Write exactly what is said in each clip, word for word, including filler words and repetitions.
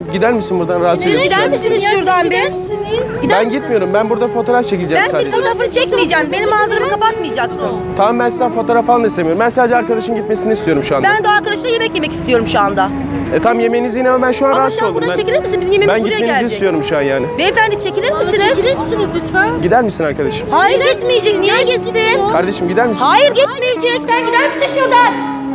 gider misin buradan, rahatsız Siz ediyorsun? gider misiniz şuradan bir? Gider Ben misin? gitmiyorum. Ben burada fotoğraf çekeceğim Ben sadece. senin fotoğrafını çekmeyeceğim. Benim manzaramı kapatmayacaksın. Tamam, ben sizden fotoğraf falan da istemiyorum. Ben sadece arkadaşın gitmesini istiyorum şu anda. Ben de arkadaşla yemek yemek istiyorum şu anda. E tamam, yemeğinizi yine, ama ben şu an Ama rahatsız şu an oldum. buradan Ben, çekilir misin? Bizim yemeğimiz ben buraya gitmenizi gelecek. istiyorum şu an yani. Beyefendi çekilir misiniz? Çekilir misiniz lütfen? Gider misin arkadaşım? Hayır gitmeyecek. Niye gitsin? Kardeşim gider misin? Hayır gitmeyecek. Sen gider misin şuradan?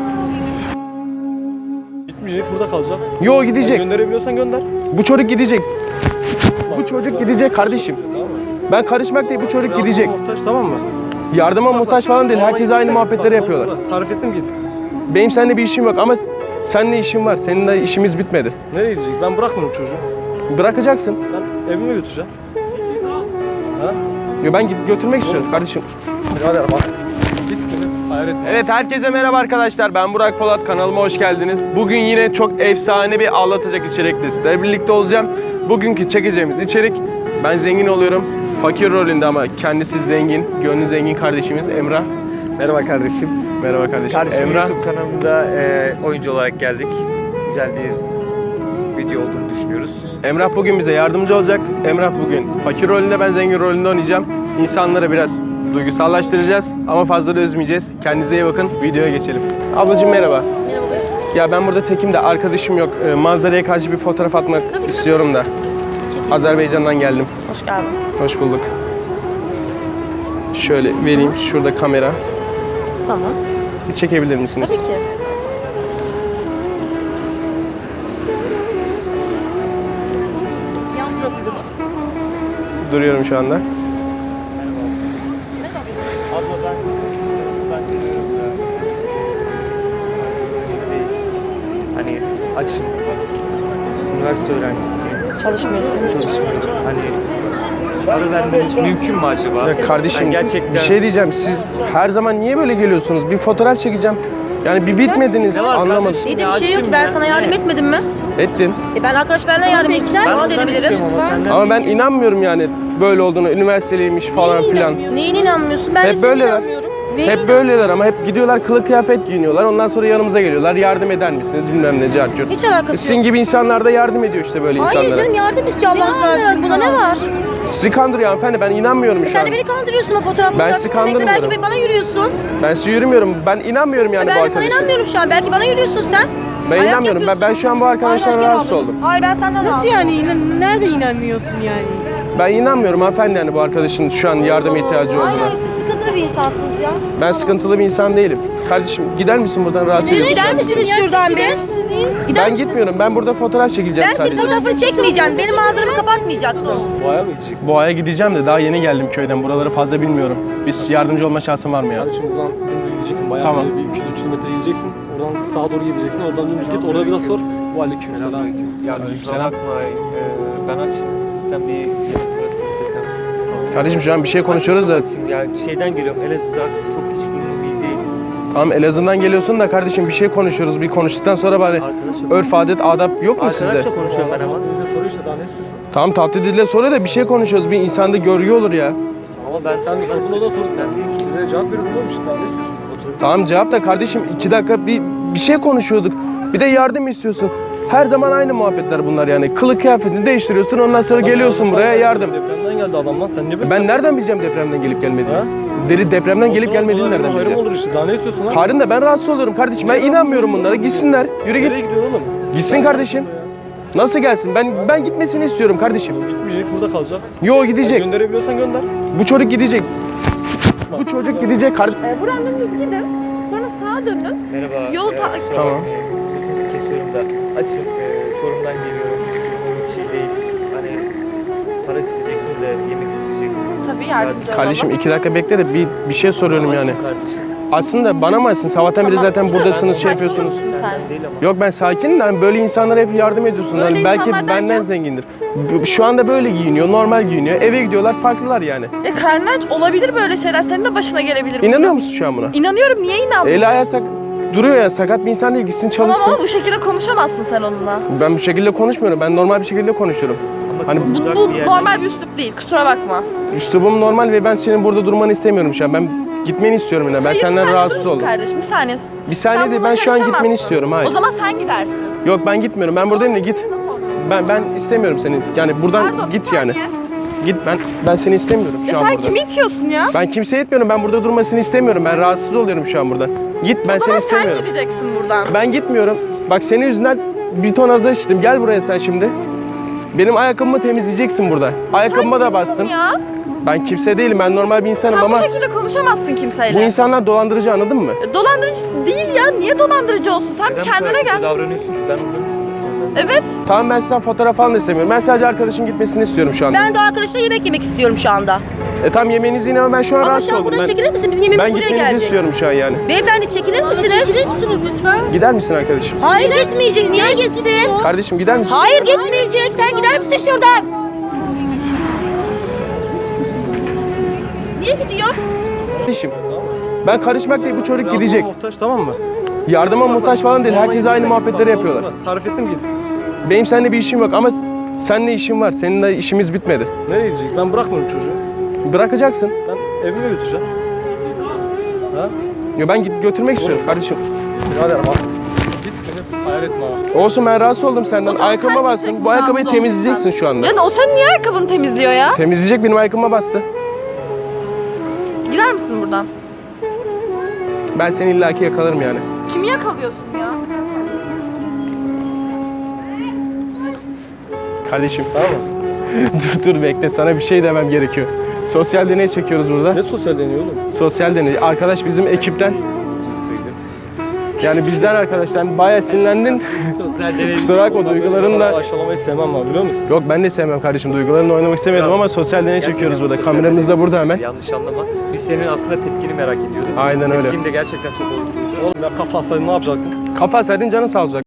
Gitmeyecek, burada kalacak. Yo, gidecek. Gönderebiliyorsan gönder. Bu çocuk gidecek. Bu çocuk gidecek kardeşim. Ben karışmak değil, bu çocuk gidecek. Muhtaç, tamam mı? Yardıma muhtaç falan değil. Herkes aynı muhabbetleri yapıyorlar. Tarif ettim, git. Benim seninle bir işim yok ama seninle işim var. Seninle işimiz bitmedi. Nereye gidecek? Ben bırakmadım çocuğu. Bırakacaksın. Ben evime götüreceğim. Ha? Yo, ben git götürmek istiyorum kardeşim. Birader bak. Git. Hayır etme. Evet, herkese merhaba arkadaşlar. Ben Burak Polat, kanalıma hoş geldiniz. Bugün yine çok efsane bir ağlatacak içerikle sizlerle birlikte olacağım. Bugünkü çekeceğimiz içerik, ben zengin oluyorum. Fakir rolünde ama kendisi zengin, gönlü zengin kardeşimiz Emrah. Merhaba kardeşim. Merhaba kardeşim. Kardeşim Emrah. YouTube kanalımda e, oyuncu olarak geldik. Güzel bir video olduğunu düşünüyoruz. Emrah bugün bize yardımcı olacak. Emrah bugün fakir rolünde, ben zengin rolünde oynayacağım. İnsanlara biraz duygusallaştıracağız ama fazla da üzmeyeceğiz. Kendinize iyi bakın. Videoya geçelim. Ablacığım merhaba. Merhaba. Ya ben burada tekim de, arkadaşım yok. Ee, manzaraya karşı bir fotoğraf atmak Tabii, istiyorum da. Azerbaycan'dan geldim. Hoş geldin. Hoş bulduk. Şöyle vereyim. Şurada kamera. Tamam. Bir çekebilir misiniz? Tabii ki. Yan profili bu. Duruyorum şu anda. Abla ben ben geliyorum da. Hani açım. Üniversite öğrencisiyim. Çalışmıyorsun. Çalışmıyorum. Hani para vermeniz mümkün mü acaba? Ya kardeşim, Yani gerçekten bir şey diyeceğim. Siz her zaman niye böyle geliyorsunuz? Bir fotoğraf çekeceğim. Yani bir bitmediniz, Ne var anlamadım. kardeşim? İyi de Ya bir şey yok. açım Ben ya. sana yardım Ne? etmedim mi? Ettin. E ben arkadaş benimle yardım ettim. Ben Bana da senden edebilirim. istiyorum ama senden Ama ben değil. inanmıyorum yani böyle olduğunu, üniversiteliymiş falan filan. Neyine inanmıyorsun? Ben de Hep size böyleler. inanmıyorum. Neyine Hep böyleler ama hep gidiyorlar, kılık kıyafet giyiniyorlar. Ondan sonra yanımıza geliyorlar. Yardım eder misiniz? Bilmem ne, carcur. Hiç alakası Sizin yok. gibi insanlar da yardım ediyor işte böyle Hayır insanlara. canım, yardım istiyor Allah razı olsun. Buna ne var? Sizi kandırıyor hanımefendi, ben inanmıyorum şu Sen an. de beni kandırıyorsun o fotoğrafı. Ben sizi kandırmıyorum. Belki bana yürüyorsun. Ben sizi yürümüyorum. Ben inanmıyorum yani bu Ben de sana arkadaşa. inanmıyorum şu an. Belki bana yürüyorsun sen. Ben Ayak inanmıyorum. Ben, ben yapıyorsun. şu an bu arkadaştan Aynen, rahatsız gel oldum. ablacığım. Hayır ben senden Nasıl rahatsız yani? İnan nerede inanmıyorsun yani? Ben inanmıyorum hanımefendi yani bu arkadaşın şu an yardıma ihtiyacı Hayır olduğuna. hayır, siz sıkıntılı bir insansınız ya. Ben sıkıntılı bir insan değilim. Kardeşim gider misin buradan, rahatsız Siz ediyorsun? gider misiniz şuradan bir? Gider Ben misin? gitmiyorum. Ben burada fotoğraf çekeceğim Ben senin sadece. fotoğrafını çekmeyeceğim. Benim manzaramı kapatmayacaksın. Boğaya mı gidecek? Boğa'ya gideceğim de daha yeni geldim köyden. Buraları fazla bilmiyorum. Bir yardımcı olma şansın var mı ya? Kardeşim buradan dümdüz gideceksin. Bayağı Tamam. bir iki üç kilometre gideceksin. Oradan sağa doğru gideceksin. Oradan dümdüz git. Orada biraz sor. Bu aleyküm selam. Selamünaleyküm. Ya kusura Aleykümselam. bakma. e, ben açım. Sizden bir yemek parası istesem. Kardeşim şu an bir şey konuşuyoruz da. Açım. Ya şeyden geliyorum. Elazığ'dan çok hiç iyi değil. Tamam, Elazığ'dan geliyorsun da kardeşim bir şey konuşuyoruz. Bir konuştuktan sonra bari Arkadaşım. örf, adet, adap yok mu sizde? Arkadaşla konuşuyorum ben ama. Bir de soruyor işte, daha ne istiyorsun? Tamam, tatlı dille soruyor da bir şey konuşuyoruz. Bir insanda görgü olur ya. Ama ben Sen ben bunu da otur. Ben değil ki. Size cevap veriyorum oğlum işte, daha ne istiyorsun? Otur. Tamam, cevap da kardeşim iki dakika bir, bir şey konuşuyorduk. Bir de yardım istiyorsun. Her zaman aynı muhabbetler bunlar yani. Kılık kıyafetini değiştiriyorsun, ondan sonra Adam geliyorsun yardım- buraya yardım. Depremden geldi adam lan. Sen niye böyle? Ben nereden bileceğim depremden gelip gelmediğini? Ha? Deli depremden gelip Olsun, gelmediğini olsun, nereden hayrım bileceğim? olur işte. Daha ne istiyorsun lan? Karın da ben rahatsız oluyorum kardeşim. Ben inanmıyorum bunlara. Gitsinler. Yürü Nereye git. gidiyorsun oğlum? Gitsin kardeşim. Nasıl gelsin? Ben ben gitmesini istiyorum kardeşim. Gitmeyecek, burada kalacak. Yo, gidecek. Gönderebiliyorsan gönder. Bu çocuk gidecek. Bu çocuk gidecek kardeşim. Ee, buradan dönünüz gidin. Sonra sağa dönün. Merhaba. Yol e, ta- kusura Tamam. bakmayın, sözünüzü kesiyorum da açım. E, Çorum'dan geliyorum. Durumum hiç iyi değil. Hani para isteyecektim de yemek isteyecektim. Tabii yardımcı olalım. Kardeşim iki dakika bekle de bir bir şey soruyorum yani. Açım kardeşim. Aslında bana mı açsın? Sabahtan beri Tamam. zaten buradasınız, şey Ben- yapıyorsunuz. Sen- Senden değil ama. Yok, ben sakinim de hani böyle insanlara hep yardım ediyorsun. Böyle Hani belki insanlar benden derken? zengindir. Bu- Şu anda böyle giyiniyor, normal giyiniyor. Eve gidiyorlar, farklılar yani. E karnı aç, olabilir böyle şeyler. Senin de başına gelebilir. İnanıyor bunlar. musun şu an buna? İnanıyorum. Niye inanmıyorsun? Eli ayağı sak duruyor ya, sakat bir insan değil, gitsin Tamam çalışsın. ama bu şekilde konuşamazsın sen onunla. Ben bu şekilde konuşmuyorum. Ben normal bir şekilde konuşuyorum. Ama Hani çok Bu, uzak bu bir yerden normal bir üslup değil. Kusura bakma. üslubum normal ve ben senin burada durmanı istemiyorum şu an. Ben gitmeni istiyorum yine. Ben Hayır, senden sen rahatsız durursun oldum. Kardeşim bir saniye. Bir saniye Sen değil, buna ben şu an gitmeni karışamazsın. istiyorum. Hayır. O zaman sen gidersin. Yok, ben gitmiyorum. Ben buradayım da git. Ben ben istemiyorum seni. Yani buradan Pardon, bir git yani. saniye. Git ben ben seni istemiyorum şu Ya an sen burada. kimi itiyorsun ya? Ben kimseye etmiyorum. Ben burada durmasını istemiyorum. Ben rahatsız oluyorum şu an burada. Git ben O seni zaman sen istemiyorum. gideceksin buradan. Ben gitmiyorum. Bak senin yüzünden bir ton azar içtim. Gel buraya sen şimdi. Benim ayakkabımı temizleyeceksin burada. Ayakkabıma da bastın. Ya. Ben kimse değilim. Ben normal bir insanım Sen ama bu şekilde konuşamazsın kimseyle. bu insanlar dolandırıcı, anladın mı? E, Dolandırıcı değil ya. Niye dolandırıcı olsun? Sen bir Neden bu kendine kadar gel. kötü davranıyorsun ki? Ben ondan istedim senden. Evet. Tamam, ben sizden fotoğraf falan da istemiyorum. Ben sadece arkadaşın gitmesini istiyorum şu anda. Ben de arkadaşla yemek yemek istiyorum şu anda. E tamam, yemeğinizi yine ama ben şu an Ama rahatsız şu an oldum. buradan Ben, çekilir misin? Bizim yemeğimiz ben buraya gitmenizi gelecek. istiyorum şu an yani. Beyefendi çekilir misiniz? Çekilir misiniz lütfen? Gider misin arkadaşım? Hayır gitmeyecek. Niye gitsin? Kardeşim gider misin? Hayır gitmeyecek. Sen gider misin şuradan? Niye gidiyor? Kardeşim. Ben karışmak değil, bu çocuk Yardıma gidecek. muhtaç, tamam mı? Yardıma muhtaç falan değil. Herkes aynı muhabbetleri yapıyorlar. Tarif ettim git. Benim seninle bir işim yok ama seninle işim var. Seninle işimiz bitmedi. Nereye gidecek? Ben bırakmıyorum çocuğu. Bırakacaksın. Ben evime götüreceğim. Ha? Ya ben git götürmek istiyorum kardeşim. Birader bak. Git beni hayal etme ha. Olsun, ben rahatsız oldum senden. O zaman Ayakkabıma sen bastın. gideceksin, Bu ayakkabıyı rahatsız temizleyeceksin oldun şu anda. Ya o sen niye ayakkabını temizliyor ya? Temizleyecek, benim ayakkabıma bastı. Gider misin buradan? Ben seni illaki yakalarım yani. Kimi yakalıyorsun ya? Kardeşim Tamam mı? dur dur bekle, sana bir şey demem gerekiyor. Sosyal deney çekiyoruz burada. Ne sosyal deniyor oğlum? Sosyal deney. Arkadaş bizim ekipten. Yani bizden arkadaşlar. Bayağı sinirlendin. Sosyal deney. Kusura bakma, duygularını Sana da... aşılamayı sevmem abi, biliyor musun? Yok, ben de sevmem kardeşim. Duygularını oynamak istemedim Ya, ama sosyal deney Gerçekten çekiyoruz burada. sosyal Kameramız deney. da burada hemen. Yanlış anlama. Biz senin aslında tepkini merak ediyorduk. Aynen öyle. Tepkin de gerçekten çok olumsuz. Oğlum ya kafa hastaydın, ne yapacaktın? Kafa saydın, canın sağ olacak.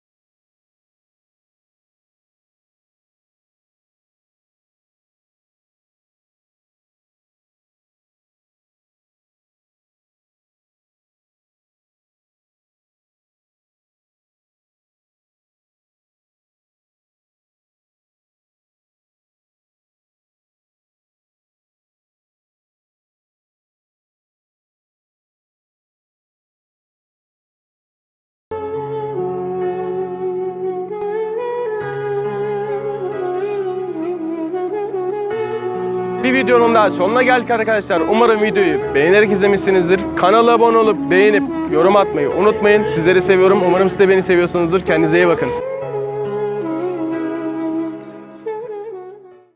Bir videonun daha sonuna geldik arkadaşlar. Umarım videoyu beğenerek izlemişsinizdir. Kanala abone olup beğenip yorum atmayı unutmayın. Sizleri seviyorum. Umarım siz de beni seviyorsunuzdur. Kendinize iyi bakın.